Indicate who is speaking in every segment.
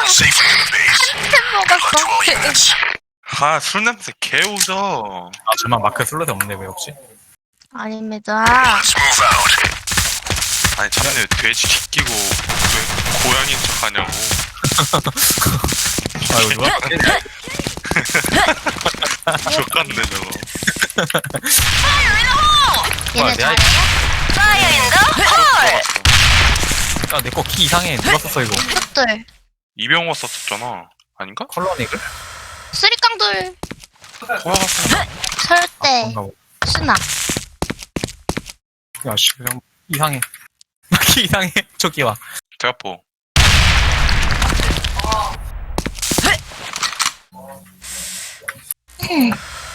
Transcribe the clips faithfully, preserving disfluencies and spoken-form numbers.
Speaker 1: 먹었어.
Speaker 2: 아, 술 냄새 개우져.
Speaker 3: 아, 저만 마크 슬롯에 없네, 왜 혹시?
Speaker 1: 아닙니다.
Speaker 2: 아니, 자네 돼지 끼고 왜 고양이인 척 하냐고.
Speaker 3: 아, 이거 누가?
Speaker 2: 족같네, 저거.
Speaker 1: 얘네
Speaker 3: 내가-
Speaker 1: 잘해?
Speaker 2: 들어갔어.
Speaker 3: 아, 내 거 키 이상해. 누가 썼어, 이거?
Speaker 1: 슛들.
Speaker 2: 이병호 썼었잖아. 아닌가?
Speaker 3: 컬러닉을?
Speaker 1: 쓰리깡돌.
Speaker 2: 호야가 썼나?
Speaker 1: 설대.
Speaker 3: 뭔가 뭐.
Speaker 1: 수나.
Speaker 3: 야, 씨, 그냥 이상해. 키 이상해. 저기와.
Speaker 2: 대가포.
Speaker 1: 음.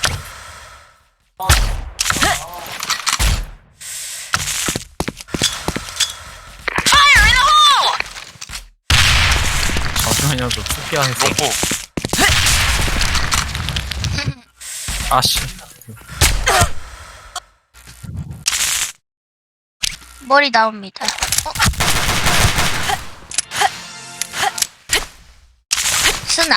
Speaker 3: 잠시만요, 저 투피아 했어.
Speaker 2: 롱포.
Speaker 3: 아씨.
Speaker 1: 머리 나옵니다. 어? 수나.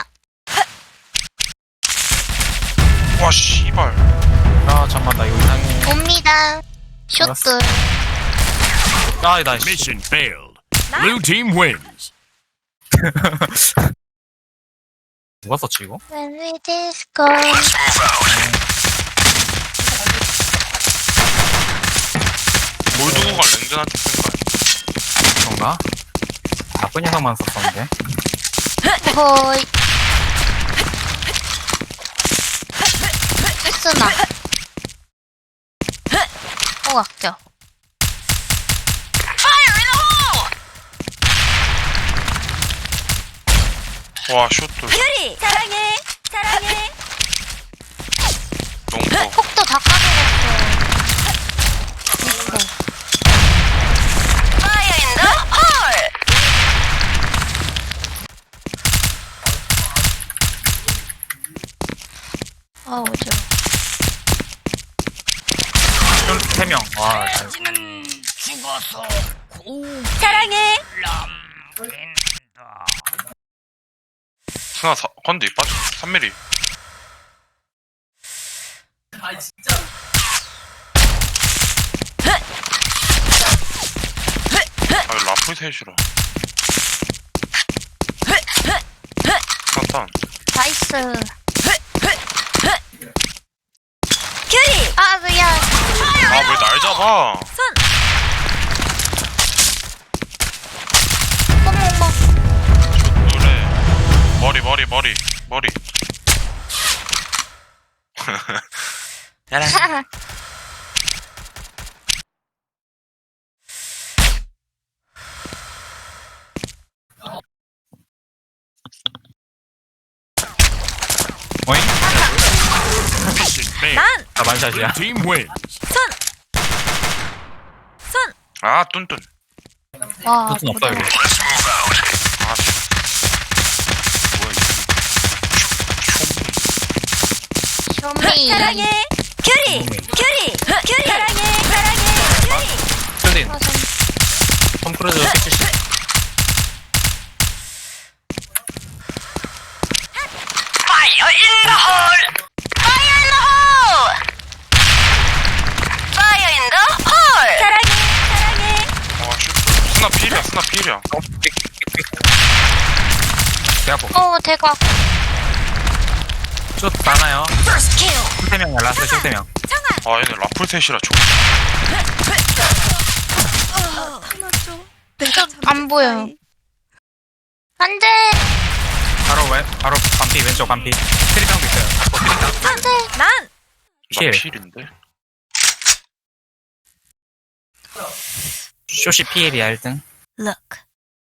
Speaker 2: 와, 씨발.
Speaker 3: 아, 잠만, 나 이거 이상해.
Speaker 1: 옵니다. 슛들.
Speaker 3: 아, 나, 씨.
Speaker 4: Mission failed. Blue team wins.
Speaker 3: 누가 썼지, 이거?
Speaker 1: When we disco.
Speaker 2: 뭘 두고 가, 랭전한테 쓴 거야.
Speaker 3: 그런가? 나쁜 녀석만 썼었는데.
Speaker 1: 호이. 수나. 호각죠.
Speaker 2: 와, 슛돌.
Speaker 1: 퓨리 사랑해 사랑해.
Speaker 2: 롱포.
Speaker 1: 폭도 다 까먹었어. 있어. Fire in the hole. 아 어지러.
Speaker 3: 세 명. 와, 잘.
Speaker 1: 사랑해.
Speaker 2: 스나 사, 건디 빠져. 삼 밀리. 아, 라플 셋이라. 스나탄.
Speaker 1: 나이스. 큐리. 아 미안.
Speaker 2: 아, 왜 날 잡아?
Speaker 1: 어머머.
Speaker 2: 노래. 머리, 머리, 머리, 머리.
Speaker 3: 어잉?
Speaker 4: Mission failed.
Speaker 3: 나 만샷이야.
Speaker 4: Blue team wins.
Speaker 2: 아, 뚠뚠.
Speaker 1: 와.
Speaker 3: 무슨 없다, 이거.
Speaker 2: 아, 씨. 뭐야, 이거.
Speaker 1: 쇼미. 사랑해. 큐리. 큐리. 큐리. 사랑해. 사랑해.
Speaker 3: 스딘.
Speaker 1: 아, 좀
Speaker 3: 톰 크루즈 픽칠십.
Speaker 1: Fire in the hole. Fire in the hole. Fire in the hole. 사랑해. 사랑해.
Speaker 2: 아, 슛. 스나 필이야, 스나 필이야.
Speaker 3: 어, 픽, 픽, 픽. 대학포.
Speaker 1: 어 대박.
Speaker 3: 슛 많아요.
Speaker 1: First kill.
Speaker 3: 세 명이야, 라스트 슛세 명.
Speaker 2: 아, 얘네 라플 셋이라 족.
Speaker 1: 안 보여. 안 돼.
Speaker 3: 바로 왼, 바로 반피, 왼쪽 반피. 트리병도 있어요. 잡고 트리병.
Speaker 1: 안 돼. 난.
Speaker 2: 나
Speaker 3: 필.
Speaker 2: 필인데?
Speaker 3: 슛이 피엘이야, 일 등.
Speaker 1: Look.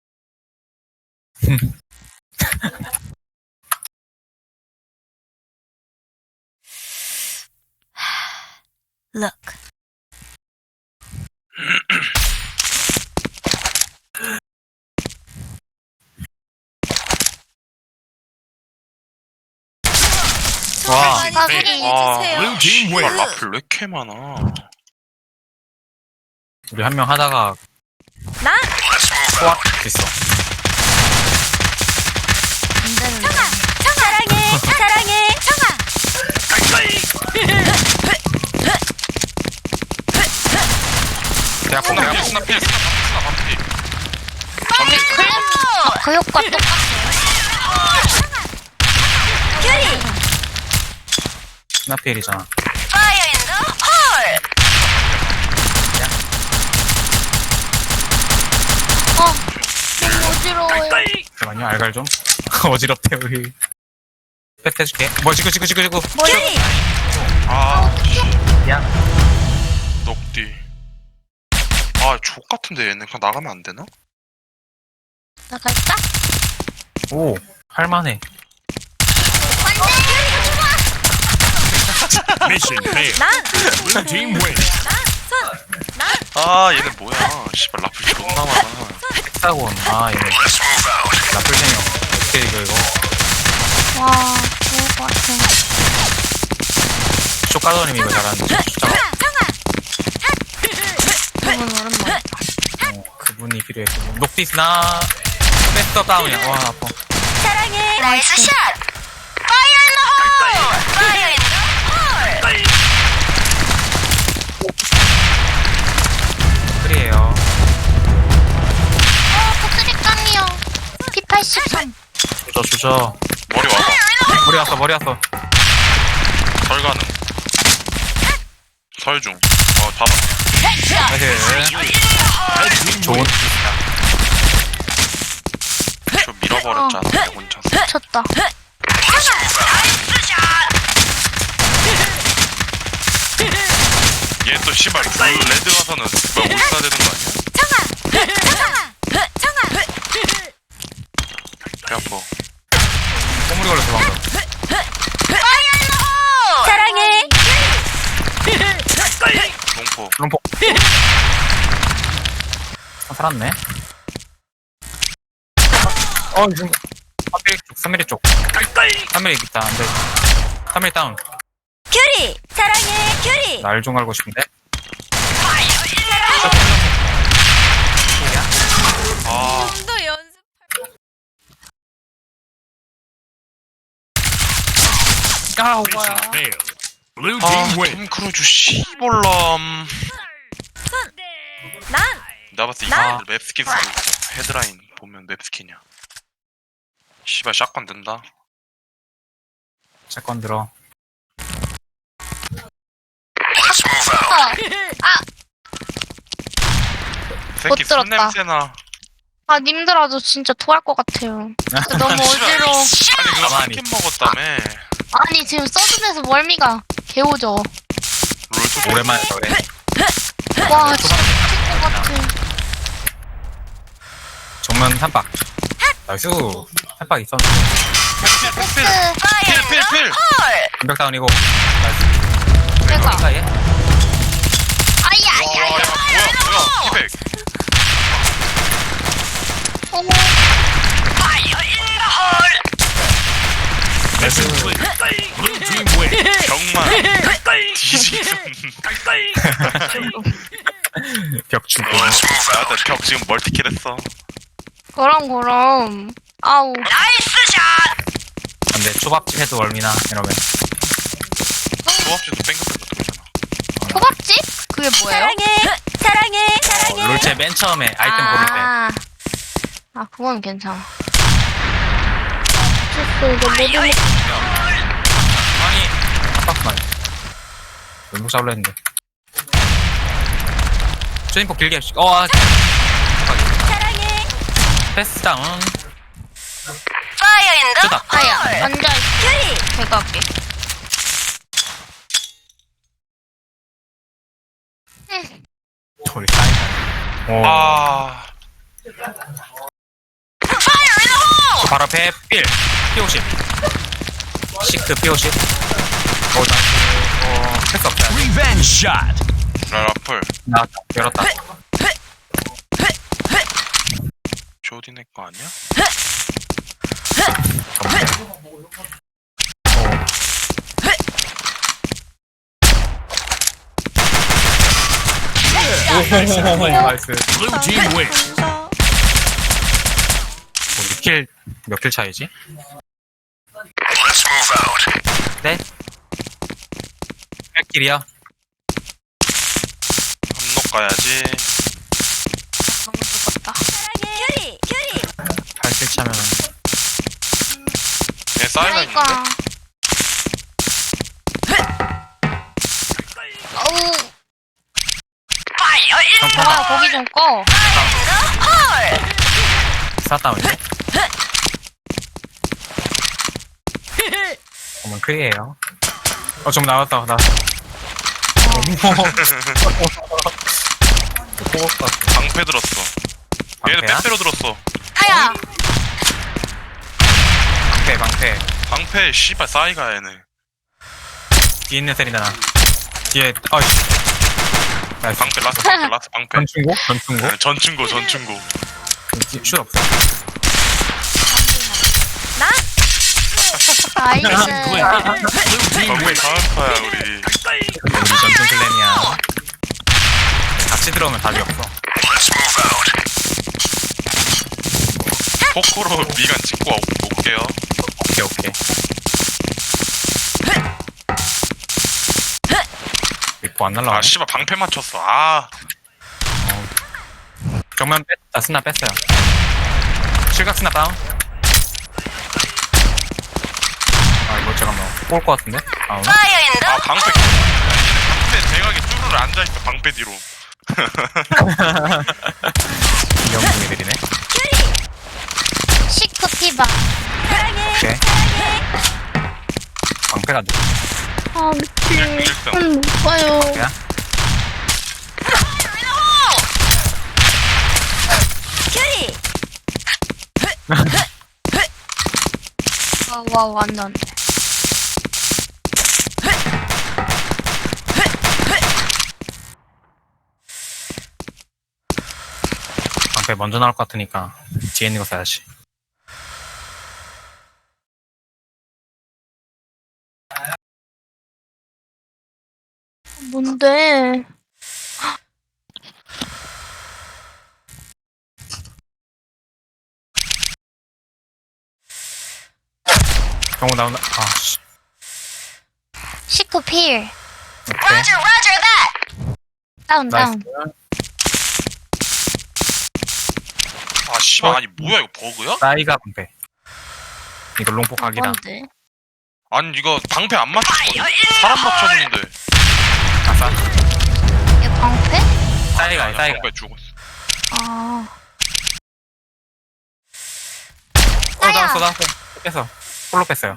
Speaker 1: Look.
Speaker 3: 와,
Speaker 1: 까비.
Speaker 2: 와,
Speaker 4: Blue team
Speaker 2: 씨발,
Speaker 4: wins.
Speaker 2: 라플 왜 이렇게 많아?
Speaker 3: 우리 한 명 하다가
Speaker 1: 난.
Speaker 3: 소확 됐어.
Speaker 5: 그 효과 똑같아요.
Speaker 1: 큐리.
Speaker 3: 스나필이잖아.
Speaker 1: Fire in the hole.
Speaker 5: 어, 너무 어지러워요.
Speaker 3: 잠깐만요, 알갈 좀. 어지럽대, 우리. 패스 해줄게. 뭐, 지구, 지구, 지구, 지구.
Speaker 1: 큐리.
Speaker 2: 아,
Speaker 3: 야.
Speaker 2: 넉디. 아, 족 같은데 얘네 그냥 나가면 안 되나?
Speaker 5: 나갈까?
Speaker 3: 오, 할만해.
Speaker 4: Mission failed.
Speaker 1: 난.
Speaker 4: Blue team wins.
Speaker 1: 난. 손. 난.
Speaker 2: 아, 얘네 뭐야. 씨발, 라플 존나 많아.
Speaker 3: 헥사곤. 아, 이거. 나쁠생형. 어떻게 이거, 이거.
Speaker 5: 와, 좋을 것 같아.
Speaker 3: 쇼가더님 이거 잘하는데. 숫자가.
Speaker 5: 저분 오랜만에.
Speaker 3: 어, 그분이 필요했고. 녹디스나. 패스터 다운이야. 와, 아파.
Speaker 1: 사랑해. 나이스 샷. Fire in the hole. Fire in the hole.
Speaker 3: 그래요.
Speaker 5: 어, 복수리깡이요. 피 팔십삼.
Speaker 3: 주저, 주저.
Speaker 2: 머리 와봐.
Speaker 3: 머리 왔어, 머리 왔어.
Speaker 2: 설 가능. 설 중. 어, 봐봐.
Speaker 3: 나이스.
Speaker 4: Red team
Speaker 3: 좋은.
Speaker 4: wins.
Speaker 2: 저 밀어버렸잖아, 내 혼자서.
Speaker 5: 쳤다.
Speaker 1: 나이스 샷.
Speaker 2: 얘 또 씨발, 블루 레드 가서는 뭐 올싸 되는 거 아니야?
Speaker 1: 청아. 청아. 청아.
Speaker 2: 배 아파.
Speaker 3: 꼬물이 걸려서 방금.
Speaker 1: Fire in the hole. 사랑해.
Speaker 2: 농포.
Speaker 3: 롬포. 아, 살았네. 어, 지금. 삼 밀리 쪽, 삼 밀리 쪽. 삼 밀리 있다, 안 돼. 삼 밀리 다운.
Speaker 1: 큐리. 사랑해. 큐리.
Speaker 3: 날 좀 갈고 싶은데?
Speaker 2: 아,
Speaker 1: 또 연습.
Speaker 3: 아,
Speaker 4: Mission failed. Blue
Speaker 2: 아,
Speaker 4: team wins.
Speaker 2: 톰 크루즈 씨볼람.
Speaker 1: 난.
Speaker 2: 나 봤을 때
Speaker 1: 나?
Speaker 2: 이거 맵스킨 쓰고 있어. 헤드라인 보면 맵스킨이야. 씨발, 샷건 든다.
Speaker 3: 잠깐 들어.
Speaker 5: 아,
Speaker 2: 새끼
Speaker 5: 들었다.
Speaker 2: 손냄새나.
Speaker 5: 아, 님들아도 진짜 토할 것 같아요. 진짜 너무
Speaker 2: 씨발.
Speaker 5: 어지러워.
Speaker 2: 아니, 그거
Speaker 3: 가만히.
Speaker 2: 한캔 먹었다며.
Speaker 5: 아니, 지금 서든에서 멀미가 개오죠.
Speaker 2: 롤토
Speaker 3: 오랜만에 해서 그래.
Speaker 5: 와, 진짜 미칠 것 같아.
Speaker 3: 정면 한박. 나이스. 한박 있었는데.
Speaker 2: 필, 필, 필, 필.
Speaker 3: 공격 다운이고. 나이스.
Speaker 5: 내가.
Speaker 3: 사이에.
Speaker 5: 아야,
Speaker 2: 와,
Speaker 5: 아야,
Speaker 2: 야,
Speaker 5: 아야.
Speaker 2: 뭐야, 뭐야. 피백.
Speaker 5: 어머.
Speaker 4: Mission clear. Blue team wins.
Speaker 2: 병만. 뒤지겠어.
Speaker 3: 벽 주고.
Speaker 2: 나한테 벽 지금 멀티킬 했어.
Speaker 5: 그럼, 그럼. 아우.
Speaker 1: 나이스 샷.
Speaker 3: 근데 초밥집 해도 얼미나, 이러면.
Speaker 2: 조합지도 뺑글뺑글 돌잖아.
Speaker 5: 초밥집? 그게 뭐예요?
Speaker 1: 사랑해. 사랑해.
Speaker 3: 어,
Speaker 1: 사랑해.
Speaker 3: 롤체 맨 처음에 아이템 고를 때.
Speaker 5: 아, 아, 그건 괜찮아. 미쳤어, 이거 모든
Speaker 3: 아니, 한박만. 왼쪽 잡으려 했는데. 쇼인포 길게 해주시 어, 아,
Speaker 1: 사랑해.
Speaker 3: 패스 다운.
Speaker 1: Fire in the
Speaker 3: 쏘다.
Speaker 5: 아야, 앉아있어.
Speaker 1: 큐리.
Speaker 5: 제가 할게.
Speaker 3: 저리 사이다. 오.
Speaker 2: 아,
Speaker 1: Fire in the hole.
Speaker 3: 바로 앞에 필. 피 오십. 시크 피 오십. 오, 나이스. 어, 패스 없다.
Speaker 4: Revenge shot.
Speaker 2: 라라플.
Speaker 3: 나왔다. 열었다.
Speaker 2: 조디네 거 아니야?
Speaker 3: 오, 나이스.
Speaker 4: Blue team wins.
Speaker 3: 킬, 몇 킬 차이지? 네? 몇 킬이야?
Speaker 2: 한녹 가야지.
Speaker 5: 너무 죽었다.
Speaker 1: 사랑해. 큐리. 큐리.
Speaker 3: 팔 킬. 스위치하면은.
Speaker 2: 얘 사이가 있는데?
Speaker 5: 그러니까. 어우,
Speaker 1: Fire in the
Speaker 3: 깜짝아.
Speaker 5: 좋아요, 거기 좀 꺼.
Speaker 3: 스타다운이네. 어머, 크리에요. 어, 좀 나왔다, 나.
Speaker 2: 방패 들었어. 얘는
Speaker 3: 방패야?
Speaker 2: 빼빼로 들었어.
Speaker 5: 아야!
Speaker 3: 방패, 방패.
Speaker 2: 방패 씨발 싸이가 얘네.
Speaker 3: 뒤에 있는 셀이다, 나. 뒤에, 어이씨. 나이스.
Speaker 2: 방패 라스 방패 라스 방패.
Speaker 3: 전충고? 전충고?
Speaker 2: 네, 전충고 전충고.
Speaker 3: 슛 없어.
Speaker 5: 나이스.
Speaker 4: Blue team
Speaker 2: 방패
Speaker 4: wins.
Speaker 2: 다음파야 우리.
Speaker 3: 우리 전충 클랜이야. 같이 들어오면 답이 없어.
Speaker 2: 포크로 미간 찍고 오- 올게요.
Speaker 3: 오케이, 오케이. 리포 안 날라와.
Speaker 2: 아 씨발 방패 맞췄어. 아
Speaker 3: 정면 뺐, 아, 스나 뺐어요. 실각 스나 다운. 아, 이거 잠깐만. 꼴 것 같은데? 아, 오나?
Speaker 1: Fire in the
Speaker 2: 아 방패. 방패 대각에 쭈르르 앉아있어 방패 뒤로.
Speaker 3: 귀여운 애들이네.
Speaker 5: 시크 피바.
Speaker 3: 오케이. 방패가 안 돼.
Speaker 5: 아, 미친.
Speaker 2: 일등.
Speaker 5: 음, 못 봐요.
Speaker 3: 야?
Speaker 5: 와, 와, 완전.
Speaker 3: 방패 먼저 나올 것 같으니까 뒤에 있는 거 써야지.
Speaker 5: 뭔데?
Speaker 3: 경호 나온다. 아, 씨.
Speaker 5: 시크 필.
Speaker 3: 오케이.
Speaker 1: Roger, Roger that.
Speaker 5: 다운,
Speaker 3: 나이스.
Speaker 5: 다운.
Speaker 2: 아 씨발 아니 뭐야 이거 버그야?
Speaker 3: 싸이가 방패. 이거 롱포 각이다.
Speaker 5: 뭔데?
Speaker 2: 아니 이거 방패 안 맞췄어. 사람 맞췄는데.
Speaker 3: 아싸.
Speaker 5: 얘 방패?
Speaker 3: 싸이가,
Speaker 2: 아니야,
Speaker 3: 싸이가.
Speaker 2: 방패 죽었어.
Speaker 5: 아.
Speaker 3: 어, 나왔어, 나왔어. 뺐어. 홀로 뺐어요.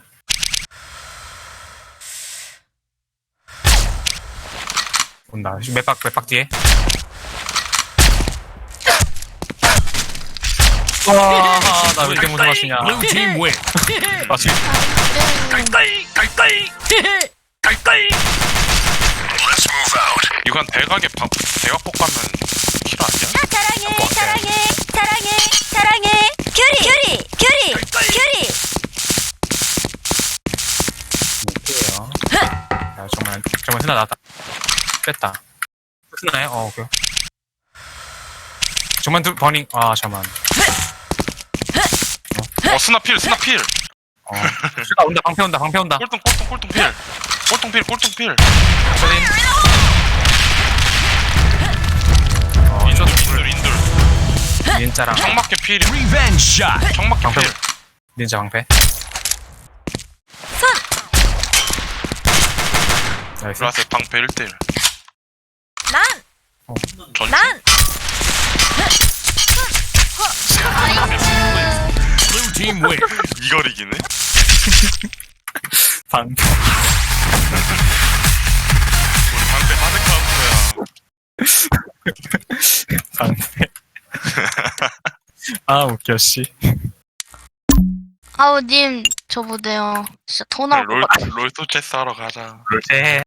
Speaker 3: 온다. 맷박, 맷박 뒤에. 와, 나 왜 이렇게 무서워하시냐.
Speaker 4: Blue team wins.
Speaker 3: 아, 지금.
Speaker 2: 이거 한 대각에 방 대각 폭가면 킬 아니야?
Speaker 1: 사랑해, 사랑해, 사랑해, 사랑해. 큐리, 큐리, 큐리, 큐리.
Speaker 3: 못해요. 야, 정말, 정말 스나 나왔다. 뺐다. 스나네? 어, 오케이. 정말 두, 버닝, 아, 잠만.
Speaker 2: 어 스나 필 스나 필.
Speaker 3: 어. 슈가 온다, 방패 온다, 방패 온다.
Speaker 2: 꼴통 꼴통 꼴통 필. 꼴통 필 꼴통 필.
Speaker 3: 소린. 어,
Speaker 2: 인돌 인돌 인돌.
Speaker 3: 닌자랑
Speaker 2: 청막계 필.
Speaker 4: Revenge shot.
Speaker 2: 청막계
Speaker 3: 방패.
Speaker 2: 필.
Speaker 3: 닌자 방패. 나이스.
Speaker 2: 라스 방패 일 대 일.
Speaker 1: 난,
Speaker 2: 전.
Speaker 1: 난.
Speaker 4: Blue team wins.
Speaker 2: 이걸 이기네.
Speaker 3: 방패.
Speaker 2: 우리 방패 하드 카운터야.
Speaker 3: 방패. 아, 웃겨, 씨.
Speaker 5: 아우, 님, 저 못해요. 진짜 더 나올 것
Speaker 2: 롤
Speaker 5: 같아.
Speaker 2: 롤토 체스 하러 가자.
Speaker 3: 롤체